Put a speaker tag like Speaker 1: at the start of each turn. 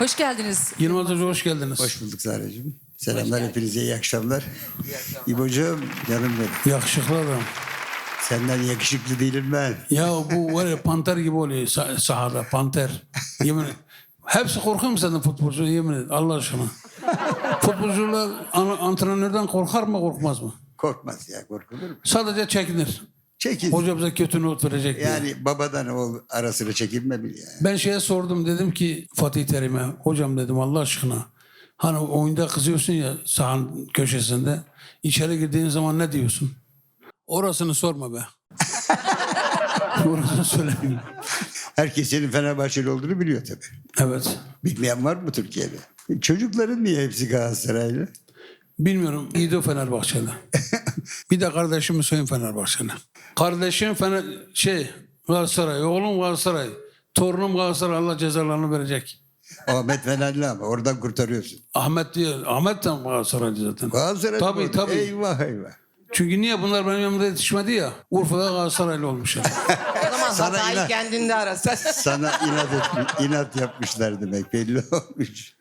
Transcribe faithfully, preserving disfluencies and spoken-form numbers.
Speaker 1: Hoş geldiniz.
Speaker 2: Yılmaz Hoca hoş geldiniz.
Speaker 3: Hoş bulduk Zahra'cığım. Selamlar hepinize, iyi akşamlar. İbo'cuğum, canım benim.
Speaker 2: Yakışıklı adam.
Speaker 3: Senden yakışıklı değilim ben.
Speaker 2: Ya bu var ya panter gibi oluyor sah- sahada panter. Yemin ederim. Hepsi korkuyor mu senden futbolcu yemin ederim Allah aşkına. Futbolcular an- antrenörden korkar mı korkmaz mı?
Speaker 3: Korkmaz ya, korkulur mu?
Speaker 2: Sadece çekinir.
Speaker 3: Çekil.
Speaker 2: Hoca bize kötü not verecek diye.
Speaker 3: Yani babadan oğul arasına çekilme bil ya.
Speaker 2: Ben şeye sordum dedim ki Fatih Terim'e hocam dedim Allah aşkına. Hani oyunda kızıyorsun ya sahanın köşesinde. İçeri girdiğin zaman ne diyorsun? Orasını sorma be. Orasını söylemiyorum.
Speaker 3: Herkes senin Fenerbahçeli olduğunu biliyor tabii.
Speaker 2: Evet.
Speaker 3: Bilmeyen var mı Türkiye'de? Çocukların niye hepsi Galatasaraylı?
Speaker 2: Bilmiyorum. İdo Fenerbahçeli. Bir de kardeşim Hüseyin Fenerbahçeli. Kardeşim Fener şey Galatasaray. Oğlum Galatasaray. Torunum Galatasaray. Allah cezalarını verecek.
Speaker 3: Ahmet Fenerli ama oradan kurtarıyorsun.
Speaker 2: Ahmet diyor. Ahmet de Galatasaraylı zaten.
Speaker 3: Galatasaray
Speaker 2: Tabii
Speaker 3: mı?
Speaker 2: tabii.
Speaker 3: Eyvah eyvah.
Speaker 2: Çünkü niye bunlar benim yanımda yetişmedi ya? Urfa'da Galatasaraylı olmuşlar.
Speaker 4: O zaman
Speaker 3: Sana
Speaker 4: hatayı
Speaker 3: inan-
Speaker 4: kendinde arasın.
Speaker 3: Sana inat, etmiş, inat yapmışlar demek belli olmuş.